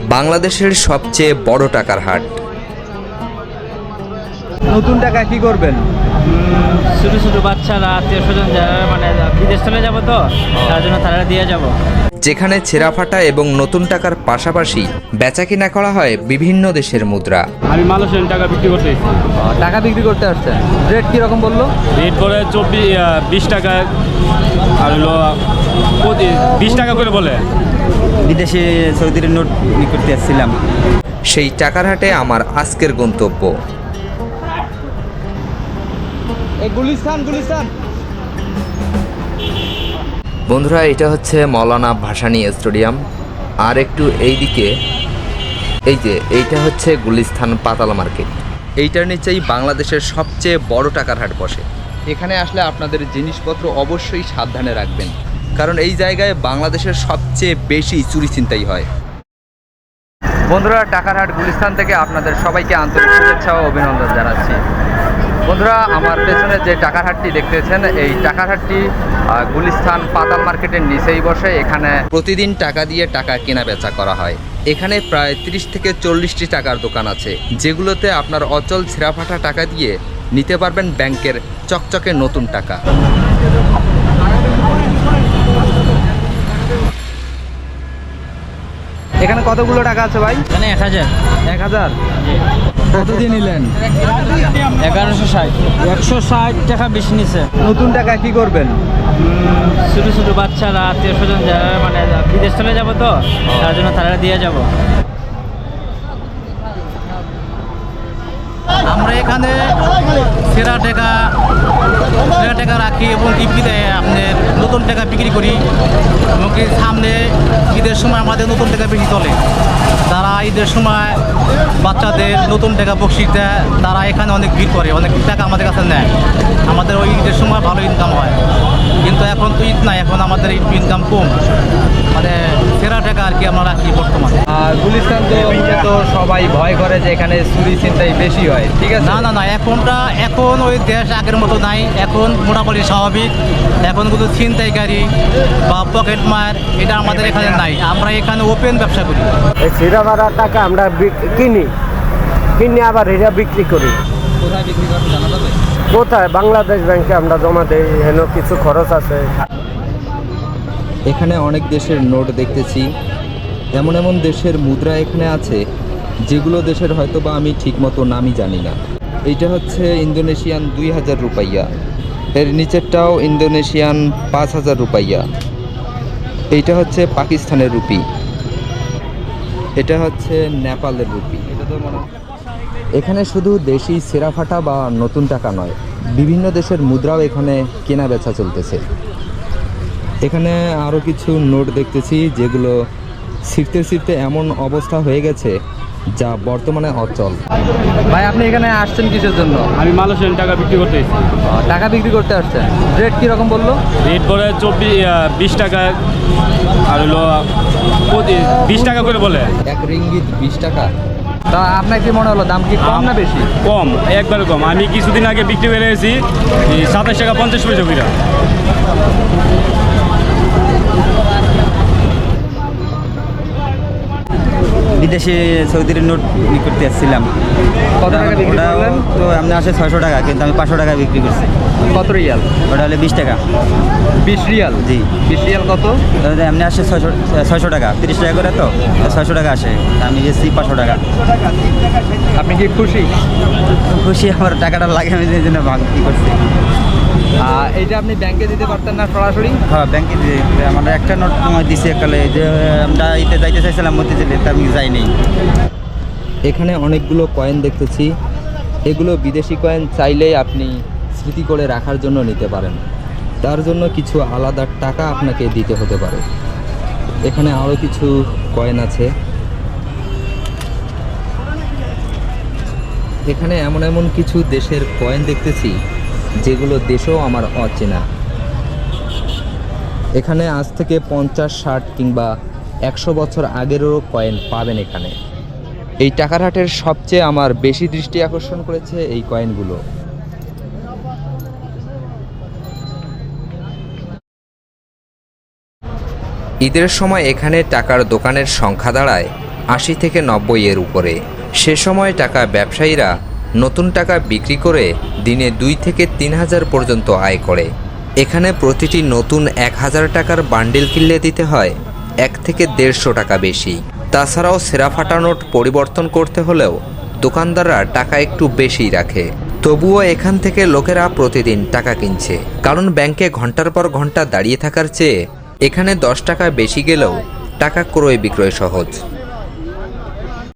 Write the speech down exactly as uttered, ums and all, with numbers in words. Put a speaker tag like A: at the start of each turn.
A: বাংলাদেশের সবচেয়ে বড় টাকার হাট।
B: নতুন টাকা কি করবেন?
C: ছোটো ছোটো বাচ্চারা, আত্মীয় স্বজন যারা মানে বিদেশ চলে যাবো, তো তার জন্য তারা দিয়ে যাব।
A: যেখানে ছেঁড়া ফাটা এবং নতুন টাকার পাশাপাশি বেচা কিনা করা হয় বিভিন্ন দেশের মুদ্রা।
D: আমি মালয়েশিয়ান টাকা বিক্রি করতে এসেছি।
B: টাকা বিক্রি করতে আসছেন, রেট কীরকম বললো?
D: রেট বলে চব্বিশ বিশ টাকা, আর হলো বিশ টাকা করে বলে।
B: বিদেশে সৌদির নোট বিক্রি করতে আসছিলাম।
A: সেই টাকার হাটে আমার আজকের গন্তব্য।
B: গুলিস্তান গুলিস্তান
A: বন্ধুরা, এটা হচ্ছে মৌলানা ভাসানী স্টেডিয়াম। আর একটু এইদিকে এই যে এইটা হচ্ছে গুলিস্তান পাতালা মার্কেট। এইটার নিচেই বাংলাদেশের সবচেয়ে বড় টাকার হাট বসে। এখানে আসলে আপনাদের জিনিসপত্র অবশ্যই সাবধানে রাখবেন, কারণ এই জায়গায় বাংলাদেশের সবচেয়ে বেশি চুরি ছিনতাই হয়। বন্ধুরা, টাকার হাট গুলিস্তান থেকে আপনাদের সবাইকে আন্তরিক শুভেচ্ছা ও অভিনন্দন জানাচ্ছি। বন্ধুরা, আমার পেছনে যে টাকার হাটটি দেখতেছেন, এই টাকার হাটটি গুলিস্তান পাতাল মার্কেটের নিচেই বসে। এখানে প্রতিদিন টাকা দিয়ে টাকা কেনা বেচা করা হয়। এখানে প্রায় তিরিশ থেকে চল্লিশটি টাকার দোকান আছে, যেগুলোতে আপনার অচল ছেঁড়াফাটা টাকা দিয়ে নিতে পারবেন ব্যাংকের চকচকে নতুন টাকা।
B: এখানে কতগুলো টাকা আছে ভাই?
C: এখানে এক হাজার
B: এক হাজার কত দিয়ে নিলেন?
C: এগারোশো ষাট একশো ষাট টাকা বেশি নিছে।
B: নতুন টাকা কি করবেন?
C: ছোটো ছোটো বাচ্চারা, আত্মীয় স্বজন যারা মানে বিদেশ চলে যাবো, তো তার জন্য তারা দিয়ে যাব।
E: আমরা এখানে সেরা টাকা সেরা টাকা রাখি এবং ঈদে আপনার নতুন টাকা বিক্রি করি। এবং কি সামনে ঈদের সময় আমাদের নতুন টাকা বেশি চলে। তারা ঈদের সময় বাচ্চাদের নতুন টাকা বকশিস দেয়, তারা এখানে অনেক ভিড় করে, অনেক টাকা আমাদের কাছে নেয়। আমাদের ওই ঈদের সময় ভালো ইনকাম হয়, কিন্তু এখন তো ঈদ নাই, এখন আমাদের ইনকাম কম। মানে সেরা টাকা আর কি আমরা রাখি বর্তমানে।
B: আর গুলিস্তান তো মূলত সবাই ভয় করে যে এখানে চুরি ছিনতাই বেশি হয়, ঠিক আছে?
E: না না না এখনটা এখন ওই দেশ আগের মতো নাই, এখন মোটামুটি স্বাভাবিক। এখন কোনো ছিনতাইকারী বা পকেট মার এটা আমাদের এখানে নাই। আমরা এখানে ওপেন ব্যবসা করি।
F: এই ছিঁড়া ভাড়া টাকা আমরা বিক- কিনি কিনে আবার এটা বিক্রি করি।
B: কোথায় বিক্রি করেন জানা যাবে?
F: কোথায়? বাংলাদেশ ব্যাংকে আমরা জমা দেই, হেন কিছু খরচ আছে।
A: এখানে অনেক দেশের নোট দেখতেছি। এমন এমন দেশের মুদ্রা এখানে আছে যেগুলো দেশের হয়তো বা আমি ঠিকমতো নামই জানি না। এইটা হচ্ছে ইন্দোনেশিয়ান দুই হাজার রুপাইয়া, এর নিচেরটাও ইন্দোনেশিয়ান পাঁচ হাজার রুপাইয়া। এইটা হচ্ছে পাকিস্তানের রুপি, এটা হচ্ছে নেপালের রুপি।
B: এটা তো মনে হয়
A: এখানে শুধু দেশি সেরাফাটা বা নতুন টাকা নয়, বিভিন্ন দেশের মুদ্রাও এখানে কেনা বেচা চলতেছে। এখানে আরও কিছু নোট দেখতেছি যেগুলো ছিঁড়তে ছিঁড়তে এমন অবস্থা হয়ে গেছে যা বর্তমানে অচল।
B: ভাই, আপনি এখানে আসছেন কিসের জন্য?
D: আমি মালয়েশিয়ান টাকা বিক্রি করতে এসেছি।
B: টাকা বিক্রি করতে আসছেন, রেট কীরকম বললো?
D: রেট বলে চব্বিশ বিশ টাকা, আর হলো বিশ টাকা করে বলে।
A: এক রিঙ্গিত বিশ টাকা।
B: তা আপনার কি মনে হলো, দাম কি কম না বেশি?
D: কম, একবারে কম। আমি কিছুদিন আগে বিক্রি করে এসেছি সাতাশ টাকা পঞ্চাশ পয়সা করে।
G: বিদেশে সৌদির নোট বিক্রি করতে আসছিলাম।
B: কত টাকা বিক্রি
G: ওটা
B: করলেন?
G: তো আপনি আসে ছয়শো টাকা, কিন্তু আমি পাঁচশো টাকা বিক্রি করছি।
B: কত রিয়াল?
G: ওটা হলে বিশ টাকা।
B: বিশ রিয়াল?
G: জি।
B: বিশ রিয়াল কত?
G: আপনি আসে ছয়শো ছয়শো টাকা, তিরিশ টাকা করে, তো ছয়শো টাকা আসে, আমি গেছি পাঁচশো টাকা।
B: আপনি কি খুশি?
G: খুশি, আমার টাকাটা লাগে, আমি এই জন্য বিক্রি করছি।
B: আহ, এইটা আপনি ব্যাংকে দিতে পারতেন না সরাসরি?
G: হ্যাঁ, ব্যাংকে দিয়ে আমার একটা নোট তোমায় দিছে একালে, যে আমরা ইতে যাইতে চাইছিলাম মতিঝিলে, তা আমি যাইনি।
A: এখানে অনেকগুলো কয়েন দেখতেছি। এগুলো বিদেশি কয়েন, চাইলেই আপনি স্মৃতি করে রাখার জন্য নিতে পারেন। তার জন্য কিছু আলাদা টাকা আপনাকে দিতে হতে পারে। এখানে আরও কিছু কয়েন আছে। এখানে এমন এমন কিছু দেশের কয়েন দেখতেছি যেগুলো দেশেও আমার অচেনা। এখানে আজ থেকে পঞ্চাশ ষাট কিংবা একশো বছর আগেরও কয়েন পাবেন এখানে। এই টাকার হাটের সবচেয়ে আমার বেশি দৃষ্টি আকর্ষণ করেছে এই কয়েনগুলো। ঈদের সময় এখানে টাকার দোকানের সংখ্যা দাঁড়ায় আশি থেকে নব্বই এর উপরে। সে সময় টাকা ব্যবসায়ীরা নতুন টাকা বিক্রি করে দিনে দুই থেকে তিন হাজার পর্যন্ত আয় করে। এখানে প্রতিটি নতুন এক হাজার টাকার বান্ডিল কিনলে দিতে হয় এক থেকে দেড়শো টাকা বেশি। তাছাড়াও সেরা ফাটা নোট পরিবর্তন করতে হলেও দোকানদাররা টাকা একটু বেশিই রাখে। তবুও এখান থেকে লোকেরা প্রতিদিন টাকা কিনছে, কারণ ব্যাংকে ঘন্টার পর ঘন্টা দাঁড়িয়ে থাকার চেয়ে এখানে দশ টাকা বেশি গেলেও টাকা ক্রয় বিক্রয় সহজ।